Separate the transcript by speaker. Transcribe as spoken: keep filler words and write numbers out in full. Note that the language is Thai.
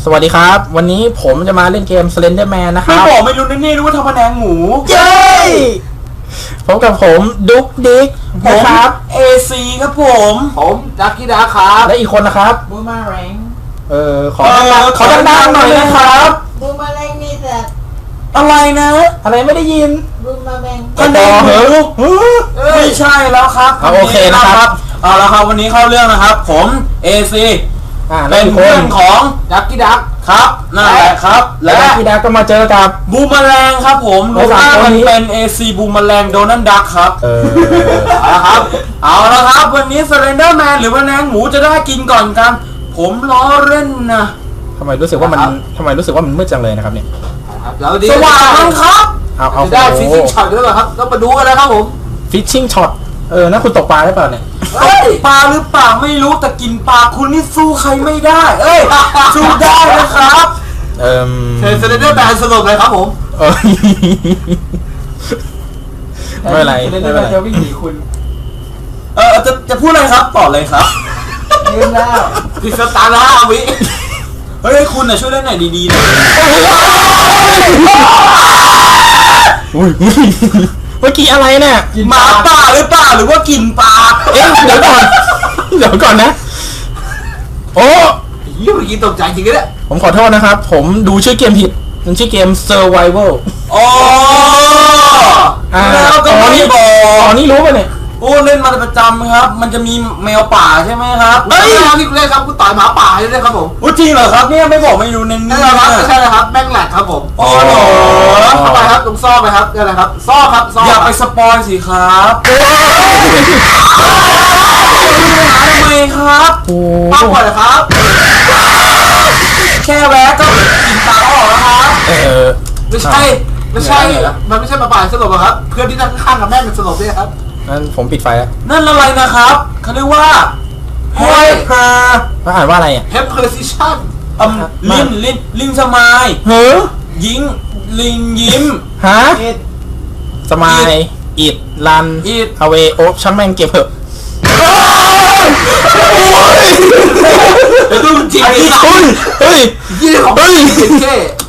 Speaker 1: สวัสดีครับวันนี้ผมจะมาเล่นเกม Slenderman นะครับ
Speaker 2: ไม่บอกไม่รู้นี่รู้ว่าทำแผนงหมู
Speaker 1: เย้พบกับผมดุ๊กดิ๊กนะครับ
Speaker 2: เอ ซี ครับผม
Speaker 3: ผมจักกี้ดาครับ
Speaker 1: และอีกคนนะครับ
Speaker 3: บูมาแรง
Speaker 1: เออขอดังๆขอดังๆหน่อยนะครับ
Speaker 4: บูมมาแรงนี่แต่
Speaker 2: อะไรนะ
Speaker 1: อะไรไม่ได้ยิน
Speaker 4: บูมมาแรง
Speaker 1: ก็ต่อเหรอ
Speaker 2: ไม่ใช่แล้วครับ
Speaker 1: เอาโอเคนะครับ
Speaker 2: เอาละครับวันนี้เข้าเรื่องนะครับผม เอ ซี
Speaker 1: อ่า
Speaker 2: เป็น
Speaker 1: ค
Speaker 2: เพื่อน นของ
Speaker 3: จักกี้ดัก
Speaker 2: ครับนั่นแหละครับ
Speaker 1: และ
Speaker 2: และ
Speaker 1: พี่ดาก็มาเจอกับ
Speaker 2: บูมแมลงครับผม
Speaker 1: แล้
Speaker 2: รู
Speaker 1: ว
Speaker 2: ป
Speaker 1: สาม
Speaker 2: ร่าง
Speaker 1: คน
Speaker 2: มัน
Speaker 1: นี้
Speaker 2: เป็น เอ ซี บูมแมลงโดนัลด์ดักครับ
Speaker 1: เออ
Speaker 2: เอาละครับ เอาละครับวันนี้ Slenderman หรือว่าแมลงหมูจะได้กินก่อนกัน ผมล้อเล่นนะ
Speaker 1: ทำไมรู้สึกว่ามันทำไมรู้สึกว่ามันมืดจังเลยนะครับเนี่ย
Speaker 3: แล้วดี
Speaker 2: สว่างมั้งครับ
Speaker 1: เอาเอา
Speaker 3: จะได้ฟิชชิ่งช็อตด้วยเหรอครับต้องมาดูกันนะครับผม
Speaker 1: ฟิชชิ่งช็อตเออนั่นคุณตกปลาได้เปล่าเนี่ย
Speaker 2: เอ้ยปลาหรือเปล่าไม่รู้แต่กินปลาคุณนี่สู้ใครไม่ได้ เอ้ยสู้ได้นะครับ
Speaker 1: เออ
Speaker 3: เทรนเซนเดอร์แบนสนุกเลยครับผม
Speaker 1: เออไม่เป็นไรไม่เป็นไร
Speaker 3: จะวิ่งหนีคุณ
Speaker 2: เออจะจะพูดอะไรครับต่อเลยครับ
Speaker 3: ลืมแล้วพิสตาร์ห้าวิ
Speaker 2: เฮ้ยคุณน่ะช่วยเล่นหน่อยดีๆหน่อย
Speaker 1: อุ้ยเมื่อกี้อะไรเนี่ย
Speaker 2: หมาป่าหรือเปล่าหรือว่ากินปลา
Speaker 1: เอ๊ะเดี๋ยวก่อนเดี๋ยวก่อนนะโอ้
Speaker 3: ยี่เมื่อกี้ตกใจจริงๆเนี่ย
Speaker 1: ผมขอโทษนะครับ ผมดูชื่อเกมผิดมันชื่อเกม Survival
Speaker 2: อ๋อ
Speaker 1: อ่า
Speaker 2: แล้วก็
Speaker 1: ตอน
Speaker 2: ไม่
Speaker 1: นี้
Speaker 2: บอก
Speaker 1: ตอนนี้รู้ป่ะเนี่ย
Speaker 2: โอ้เล่นมาประจำครับ มันจะมีแมวป่าใช่ไหมครับ
Speaker 3: เฮ้ยนี่เล่นครับคุณต่อยหมาป่าใช่ไหมครับผม
Speaker 2: อุ๊ยจริงเหรอครับเนี่ยไม่บอกไม่รู้เน้น
Speaker 3: นั่
Speaker 2: นี่
Speaker 3: นแหละครับ
Speaker 2: นะ
Speaker 3: ไม่ใช่นะครับแม่งแหลกครับผม
Speaker 2: อ๋อเหรอ
Speaker 3: เข้าไปครับตรงซ่อไปครับนี่แหละครับซ่อครับซ่อ
Speaker 2: อย่าไปสปอยสิครับทำไมครับ
Speaker 1: โอ้
Speaker 3: ป้าก่อนเลยครับ
Speaker 2: แค่แวะก็กินปลาออกแล้วครับ
Speaker 1: เออ
Speaker 3: ไม่ใช่ไม่ใช่มันไม่ใช่หมาป่าสลบหรอกครับเพื่อนที่นั่งข้างกับแม่มันสลบด้วยครับ
Speaker 1: งั้นผมปิดไฟแล้ว
Speaker 2: นั่นอะไรนะครับเขาเรียกว่าเฮ้ยเพอ
Speaker 1: ว่าอ่านว่าอะไรอ่ะ
Speaker 3: เฮปเพอร์ซิชัน
Speaker 2: อืมลินลินลิงสมาย
Speaker 1: เฮ้อ
Speaker 2: ยิงลิงยิ้ม
Speaker 1: ฮะ
Speaker 3: เอ็ด
Speaker 1: สมายอิดลัน
Speaker 2: It
Speaker 1: เอาเวโอช่างแม่งเก็บเถอะ
Speaker 3: เดี๋ยวดูจริง
Speaker 2: อันนี้
Speaker 3: ครับ
Speaker 1: เฮ้ยเฮ้ย
Speaker 3: ยี่ของ
Speaker 1: เฮ้ย
Speaker 3: เท่